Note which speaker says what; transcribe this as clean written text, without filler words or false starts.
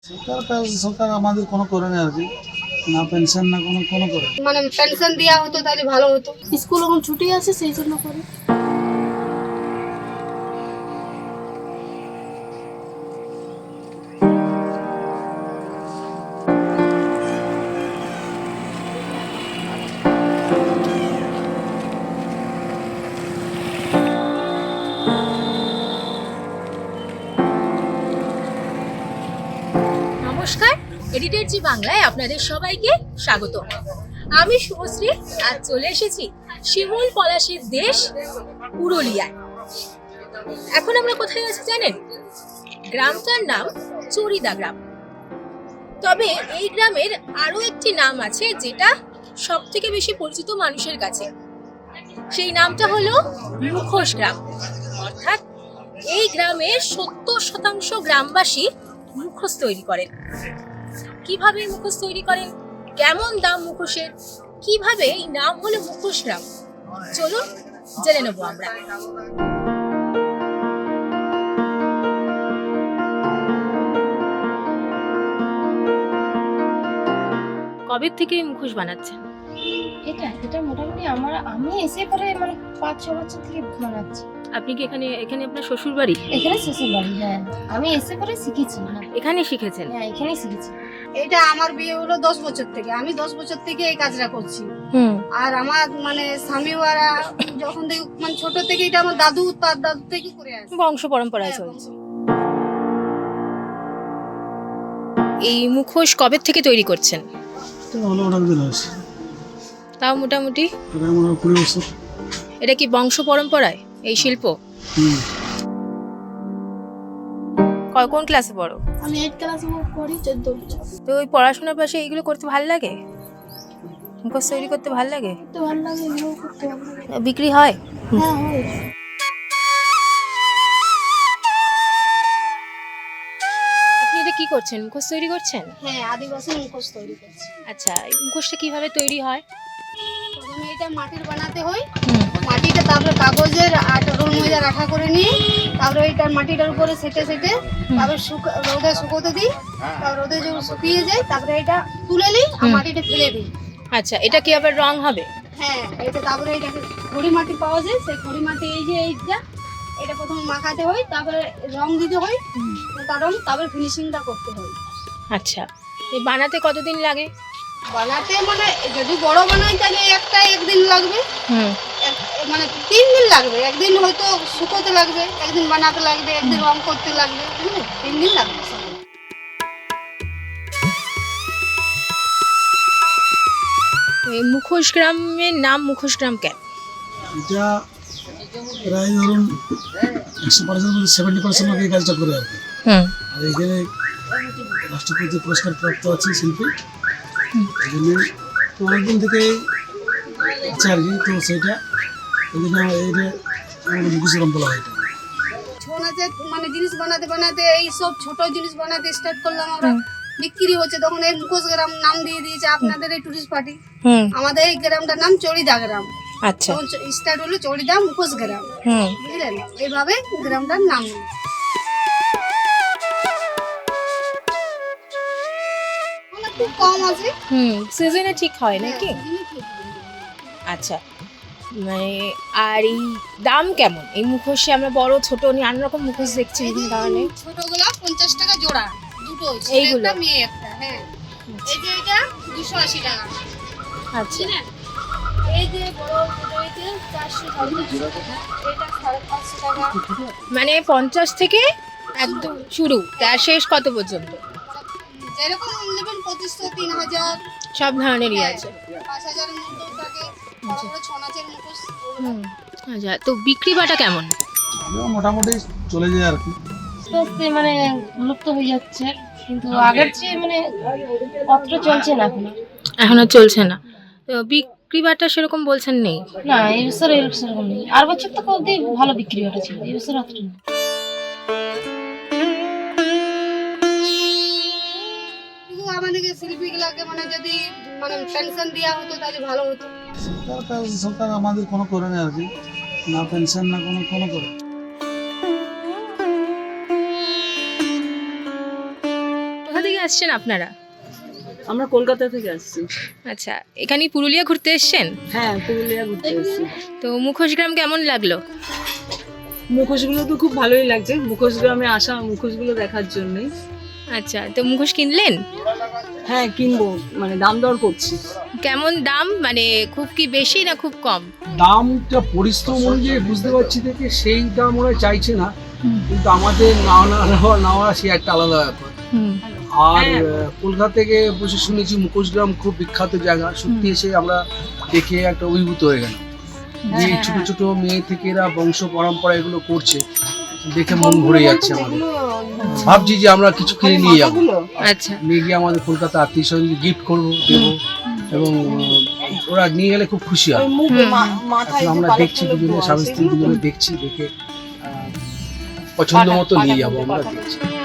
Speaker 1: সরকার আমাদের কোনো করে না আর কি, না পেনশন না কোনো করে।
Speaker 2: মানে পেনশন দেওয়া হতো তাহলে ভালো হতো।
Speaker 3: স্কুল এখন ছুটি আছে সেই জন্য করে।
Speaker 4: নমস্কার, এডিটর জি বাংলায় আপনাদের সবাইকে স্বাগত। আমি শুভশ্রী, আজ চলে এসেছি শিমুল পলাশের দেশ পুরুলিয়ায়। এখন আমরা কোথায় আছি জানেন? গ্রামটার নাম চড়িদা গ্রাম। তবে এই গ্রামের আরো একটি নাম আছে যেটা সব থেকে বেশি পরিচিত মানুষের কাছে। সেই নামটা হলো মুখোশ গ্রাম। অর্থাৎ এই গ্রামের 70% গ্রামবাসী মুখোশ তৈরি করেন। কিভাবে মুখোশ তৈরি করেন, কেমন দাম মুখোশের, কিভাবে এই নাম হলো মুখোশ গ্রাম, চলুন জেনে নেবো আমরা। কবে থেকে মুখোশ বানাচ্ছেন?
Speaker 3: এটা মোটামুটি আমি এসে পরে মানে 5-6 বছর থেকে বানাচ্ছি।
Speaker 4: আপনি কি এখানে আপনার শ্বশুর বাড়ি?
Speaker 3: এখানে শ্বশুর বাড়ি, হ্যাঁ। আমি এসে পরে শিখেছি।
Speaker 4: এখানে শিখেছেন?
Speaker 3: হ্যাঁ, এখানেই শিখেছি।
Speaker 2: এটা আমার বিয়ে হলো 10 বছর থেকে, আমি 10 বছর থেকে এই কাজটা করছি। আর আমার মানে স্বামী ওরা যখন থেকে মানে ছোট থেকে এটা আমার দাদু থেকে করে আসছে,
Speaker 4: বংশ পরম্পরায় চলছে। এই মুখোশ কবে থেকে তৈরি করছেন?
Speaker 1: তো হলো অনেক দিন হয়েছে,
Speaker 4: তাও মোটামুটি
Speaker 1: প্রায় মনে হয় 20 বছর।
Speaker 4: এটা কি বংশ পরম্পরায় এই শিল্প? কোন ক্লাসে পড়ো?
Speaker 3: আমি 8 ক্লাসে পড়ি, 14 বছর।
Speaker 4: তো ওই পড়াশোনার পাশে এইগুলো করতে ভালো লাগে? মুখোশ তৈরি করতে ভালো লাগে?
Speaker 3: তো ভালো লাগে, এগুলো করতে ভালো লাগে।
Speaker 4: বিক্রি হয়?
Speaker 3: হ্যাঁ, হয়।
Speaker 4: আপনি এটা কি করছেন, মুখোশ তৈরি করছেন?
Speaker 2: হ্যাঁ, আদিবাসী মুখোশ তৈরি করছি।
Speaker 4: আচ্ছা, এই মুখোশটা কিভাবে তৈরি হয়?
Speaker 2: প্রথমে এটা মাটির বানাতে হয়। মাটিটা তারপরে কাগজের রোল ময়দা রাখা করে নিয়ে তারপরে এটা মাটিটার উপরে সেটে তারপরে রোদে শুকোতে দিই। তারপর রোদে যখন শুকিয়ে যায় তারপরে এটা তুলে নিই আর মাটিটা ফেলে দিই।
Speaker 4: আচ্ছা, এটা কি আবার রং হবে?
Speaker 2: হ্যাঁ, এটা তারপরে এটা খড়ি মাটি পাওয়া যায়, সেই খড়ি মাটি এই যে এইটা এটা প্রথমে মাখাতে হয়, তারপরে রং দিতে হয়, তারপরে ফিনিশিংটা করতে হয়।
Speaker 4: আচ্ছা, এই বানাতে কতদিন লাগে?
Speaker 2: বানাতে মানে যদি বড় বানাই তাহলে একদিন লাগবে, মানে 3 দিন লাগবে। একদিন হয়তো শুকোতে লাগবে, একদিন বানাতে লাগবে, একদিন রং করতে লাগবে, 3 দিন লাগবে।
Speaker 4: এই মুখোশ গ্রামের নাম মুখোশ গ্রাম কেন?
Speaker 1: এটা প্রায় ধরুন 100% মধ্যে 70% লোক এই কাজটা করে আর কি। আর এখানে রাষ্ট্রপতি পুরস্কার প্রাপ্ত আছে শিল্পী, এই জন্য তো অনেকদিন থেকে আছে আর কি। তো সেইটা এই জন্য এইটা আমাদের মুখোশ গ্রাম বলা হয়। এটা
Speaker 2: ছৌ নাচের মানে জিনিস বানাতে বানাতে এই সব ছোট জিনিস বানাতে স্টার্ট করলাম আমরা। বিক্রি হচ্ছে তখন এই মুখোশ গ্রাম নাম দিয়ে দিয়েছে আপনাদের এই টুরিস্ট পার্টি। আমাদের এই গ্রামটার নাম চড়িদা গ্রাম।
Speaker 4: আচ্ছা,
Speaker 2: স্টার্ট হলো চড়িদা মুখোশ গ্রাম, বুঝলেন? এইভাবে গ্রামটার নাম হলো। খুব কম আছে,
Speaker 4: সিজনে ঠিক হয় নাকি? আচ্ছা, মানে আর এই দাম কেমন? এই মুখোশে আমরা বড় ছোট নানা রকম মুখোশ দেখছি বিভিন্ন ধরনের।
Speaker 2: ছোটগুলা 50 টাকা জোড়া, দুটো
Speaker 4: এইগুলো?
Speaker 2: একটা মেয়ে একটা। হ্যাঁ, এই যে এটা 280 টাকা।
Speaker 4: আচ্ছা,
Speaker 2: এই যে বড় এটা 450 টাকা, এটা 550 টাকা।
Speaker 4: মানে 50 থেকে একদম শুরু, তার শেষ কত পর্যন্ত?
Speaker 2: যেরকম নেবেন 2500, 3000,
Speaker 4: সব ধরনেরই আছে।
Speaker 2: 5000 এর মধ্যেও থাকে, বড় বড় ছৌ নাচের মুখোশ।
Speaker 4: আচ্ছা, তো বিক্রি বাটা কেমন?
Speaker 1: মোটামুটি চলে যায় আর কি।
Speaker 3: আস্তে মানে লুপ্ত হয়ে যাচ্ছে, কিন্তু আগের চেয়ে মানে অতটা চলছে না
Speaker 4: এখনো চলছে না। তো বিক্রি বাটা সেরকম বলছেন নেই?
Speaker 3: না, এই বছর এরকম নেই। আর বছর তো অবধি ভালো বিক্রি হটা ছিল, এই বছর অতটা নেই।
Speaker 2: আমাদেরকে শিল্পীগুলাকে মানে যদি মানে পেনশন দেওয়া হতো তাহলে ভালো হতো।
Speaker 1: সরকার আমাদের কোনো করে না আর কি, না পেনশন না কোনো করে।
Speaker 4: কোথা থেকে আসছেন আপনারা?
Speaker 5: আমরা কলকাতা থেকে আসছি।
Speaker 4: আচ্ছা, এখানে পুরুলিয়া ঘুরতে এসছেন?
Speaker 5: হ্যাঁ, পুরুলিয়া ঘুরতে এসেছি।
Speaker 4: তো মুখোশগ্রাম কেমন লাগলো?
Speaker 5: মুখোশগুলো তো খুব ভালোই লাগছে, মুখোশগ্রামে আসা মুখোশগুলো দেখার জন্যই।
Speaker 4: আচ্ছা, তো মুখোশ কিনলেন?
Speaker 5: হ্যাঁ, কিনবো, মানে দাম দর করছি।
Speaker 4: কেমন দাম, মানে খুব কি বেশি না খুব কম?
Speaker 1: দামটা পরিশ্রম অনুযায়ী বুঝতে পারছি দেখে সেই দাম ওরা চাইছে না, কিন্তু আমাদের নেওয়া সে একটা আলাদা ব্যাপার। আর কলকাতা থেকে বসে শুনেছি মুখোশগ্রাম খুব বিখ্যাত জায়গা, সত্যি এসে আমরা দেখে একটা অভিভূত হয়ে গেলাম যে ছোট ছোট মেয়ে থেকে এরা বংশ পরম্পরা এগুলো করছে, দেখে মন ভরে যাচ্ছে আমাদের। ভাবছি যে আমরা কিছু কিনে নিয়ে যাবো,
Speaker 4: আচ্ছা,
Speaker 1: নিয়ে গিয়ে আমাদের কলকাতা আত্মীয় স্বজনকে গিফট করবো, দেবো, এবং ওরা নিয়ে গেলে খুব খুশি হয়। এখন আমরা দেখছি দুজনে, স্বামী স্ত্রী দুজনে দেখছি, দেখে পছন্দ মতো নিয়ে যাবো, আমরা দেখছি।